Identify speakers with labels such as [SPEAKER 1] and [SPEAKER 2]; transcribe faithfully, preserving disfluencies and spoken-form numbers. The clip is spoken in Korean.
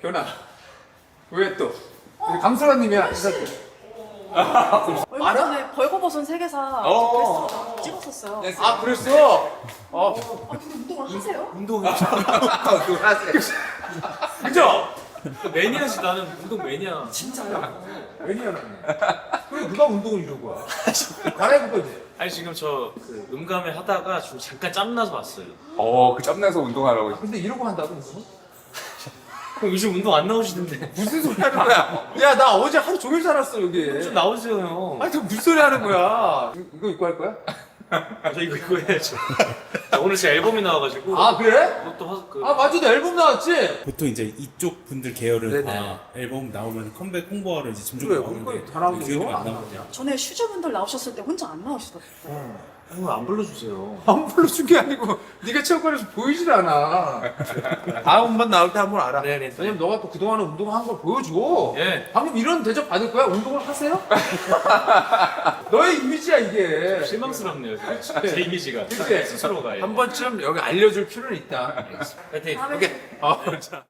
[SPEAKER 1] 현아 왜 또? 강소라님이야.
[SPEAKER 2] 얼마 전에 벌거벗은 세계사
[SPEAKER 1] 어.
[SPEAKER 2] 게스트로 찍었었어요.
[SPEAKER 1] 아 그랬어? 어.
[SPEAKER 2] 아, 근데 운동을 하세요?
[SPEAKER 3] 운동을
[SPEAKER 1] 하세요.
[SPEAKER 3] 그죠? 매니아지 나는 운동 매니아.
[SPEAKER 2] 진짜요?
[SPEAKER 1] 왜냐면 그래 누가 운동을 이런 거야? 갈아입을 거지.
[SPEAKER 3] 아니 지금 저 그 음감회 하다가 지금 잠깐 짬나서 왔어요.
[SPEAKER 4] 어, 그 짬내서 운동하라고.
[SPEAKER 1] 근데 이러고 한다고 운동을?
[SPEAKER 3] 그럼 요즘 운동 안 나오시는데
[SPEAKER 1] 무슨 소리 하는 거야? 야 나 어제 하루 종일 살았어 여기.
[SPEAKER 3] 좀 나오세요 형.
[SPEAKER 1] 아니 저 무슨 소리 하는 거야? 이- 이거 입고 할 거야?
[SPEAKER 3] 저 이거 이거 해야죠. 자, 오늘 제 앨범이 나와가지고
[SPEAKER 1] 아 그래?
[SPEAKER 3] 그것도 하, 그
[SPEAKER 1] 아 맞아 너 앨범 나왔지?
[SPEAKER 5] 보통 이제 이쪽 분들 계열은
[SPEAKER 1] 네네.
[SPEAKER 5] 다 앨범 나오면 컴백 홍보하러 이제 점점
[SPEAKER 1] 그래,
[SPEAKER 5] 나오는데
[SPEAKER 1] 그거 잘하고
[SPEAKER 5] 기억이
[SPEAKER 1] 있어.
[SPEAKER 5] 안 나거든요.
[SPEAKER 2] 전에 슈즈분들 나오셨을 때 혼자 안 나오시더라고요.
[SPEAKER 3] 형 안 불러주세요.
[SPEAKER 1] 안 불러준 게 아니고 네가 체육관에서 보이질 않아. 다음번 나올 때 한번 알아.
[SPEAKER 3] 네네.
[SPEAKER 1] 왜냐면 너가 또 그동안에 운동한 걸 보여줘.
[SPEAKER 3] 예.
[SPEAKER 1] 방금 이런 대접 받을 거야? 운동을 하세요? 너의 이미지야 이게.
[SPEAKER 3] 실망스럽네요. 지금. 제 이미지가
[SPEAKER 1] 그치?
[SPEAKER 3] 스스로가. 예.
[SPEAKER 1] 한 번쯤 여기 알려줄 필요는 있다.
[SPEAKER 3] 파이팅.
[SPEAKER 2] 다음에
[SPEAKER 1] 오케이. 어, 자.